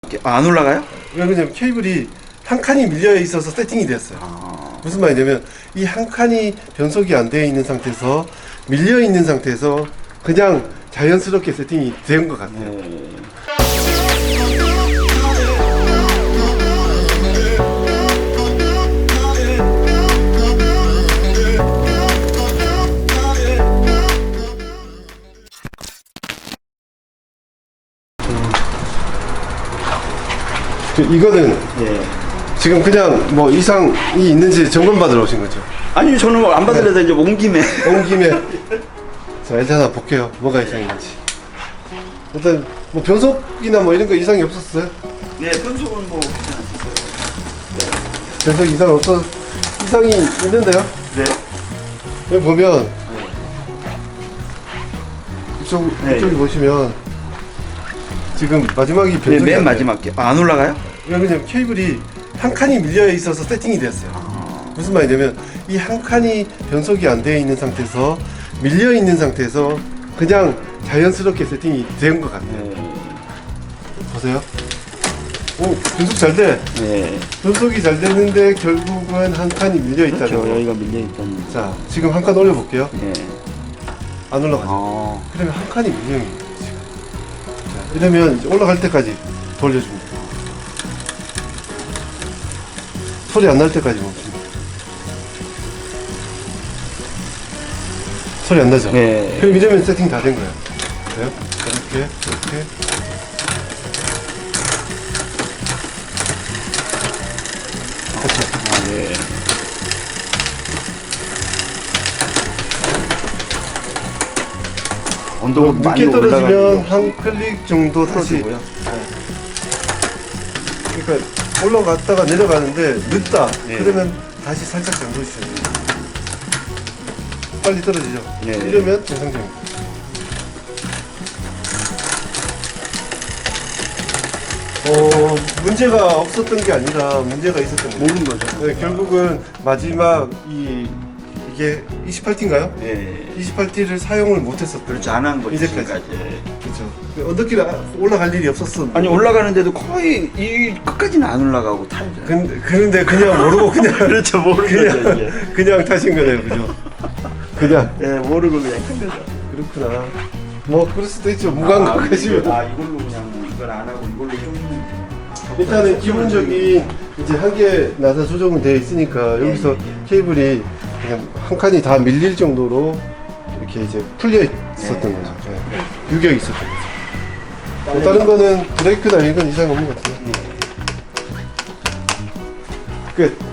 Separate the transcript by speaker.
Speaker 1: 마지막에 안 올라가요?
Speaker 2: 왜냐면 케이블이 한 칸이 밀려 있어서 세팅이 됐어요. 무슨 말이냐면 이 한 칸이 변속이 안 되어 있는 상태에서 밀려 있는 상태에서 그냥 자연스럽게 세팅이 된 것 같아요. 이거는 지금 그냥 뭐 이상이 있는지 점검 받으러 오신 거죠?
Speaker 1: 아니 저는 안 받으려다 이제 온 김에
Speaker 2: 온 김에 자 일단 하나 볼게요. 뭐가 이상이 있는지. 일단 뭐 변속이나 뭐 이런 거 이상이 없었어요?
Speaker 1: 네 변속은 뭐 괜찮았어요.
Speaker 2: 변속 이상 없어 이상이 있는데요?
Speaker 1: 네.
Speaker 2: 여기 보면 이쪽이 보시면 지금 마지막이 변속이
Speaker 1: 네, 맨
Speaker 2: 안 돼요.
Speaker 1: 마지막에 안 올라가요?
Speaker 2: 왜냐면 케이블이 한 칸이 밀려 있어서 세팅이 됐어요. 무슨 말이냐면 이 한 칸이 변속이 안 되어 있는 상태에서 밀려 있는 상태에서 그냥 자연스럽게 세팅이 된 것 같아요. 보세요. 오 변속 잘 돼.
Speaker 1: 네.
Speaker 2: 변속이 잘 되는데 결국은 한 칸이 밀려 있다는
Speaker 1: 그렇죠.
Speaker 2: 거.
Speaker 1: 여기가 밀려 있다는.
Speaker 2: 자 지금 한 칸 올려볼게요.
Speaker 1: 네.
Speaker 2: 안 올라가죠. 그러면 한 칸이 밀려 있는 거예요. 자, 이러면 이제 올라갈 때까지 돌려줍니다. 소리 안 날 때까지 멈춥니다. 소리 안 나죠?
Speaker 1: 네.
Speaker 2: 그럼 이러면 세팅 다 된 거예요. 그래요? 이렇게.
Speaker 1: 네. 온도가 많이
Speaker 2: 늦게 떨어지면
Speaker 1: 올라가면
Speaker 2: 한 클릭 정도 다시.
Speaker 1: 풀어주고요.
Speaker 2: 그러니까 올라갔다가 내려가는데 늦다.
Speaker 1: 네.
Speaker 2: 그러면 다시 살짝 잠궈 주셔야 돼요. 빨리 떨어지죠?
Speaker 1: 네.
Speaker 2: 이러면 정상적입니다. 문제가 없었던 게 아니라 문제가 있었던 거예요.
Speaker 1: 모르는 거죠.
Speaker 2: 네, 결국은 마지막 이게 28T인가요?
Speaker 1: 네.
Speaker 2: 28T를 사용을 못했었던
Speaker 1: 그렇죠. 안 한 거죠.
Speaker 2: 이제까지.
Speaker 1: 지금까지.
Speaker 2: 그렇죠. 언덕길 올라갈 일이 없었어.
Speaker 1: 아니 올라가는데도 거의 이 끝까지는 안 올라가고 타죠.
Speaker 2: 그런데 그냥 모르고 그냥
Speaker 1: 그렇죠. 모르는 거죠. 이게.
Speaker 2: 그냥 타신 거네요, 그죠? 그냥
Speaker 1: 네, 모르고 그냥 탄 거죠.
Speaker 2: 그렇구나. 뭐 그럴 수도 있죠. 무감각하시면.
Speaker 1: 이걸로 그냥 이걸 안 하고 이걸로 좀.
Speaker 2: 일단은 기본적인 이제 한계 나사 조정은 되어 있으니까 여기서 케이블이 그냥 한 칸이 다 밀릴 정도로 이렇게 이제 풀려 있었던 거죠. 네. 유격이 있었던 거죠. 뭐 다른 거는 브레이크나 이런 건 이상 없는 것 같아요. 끝.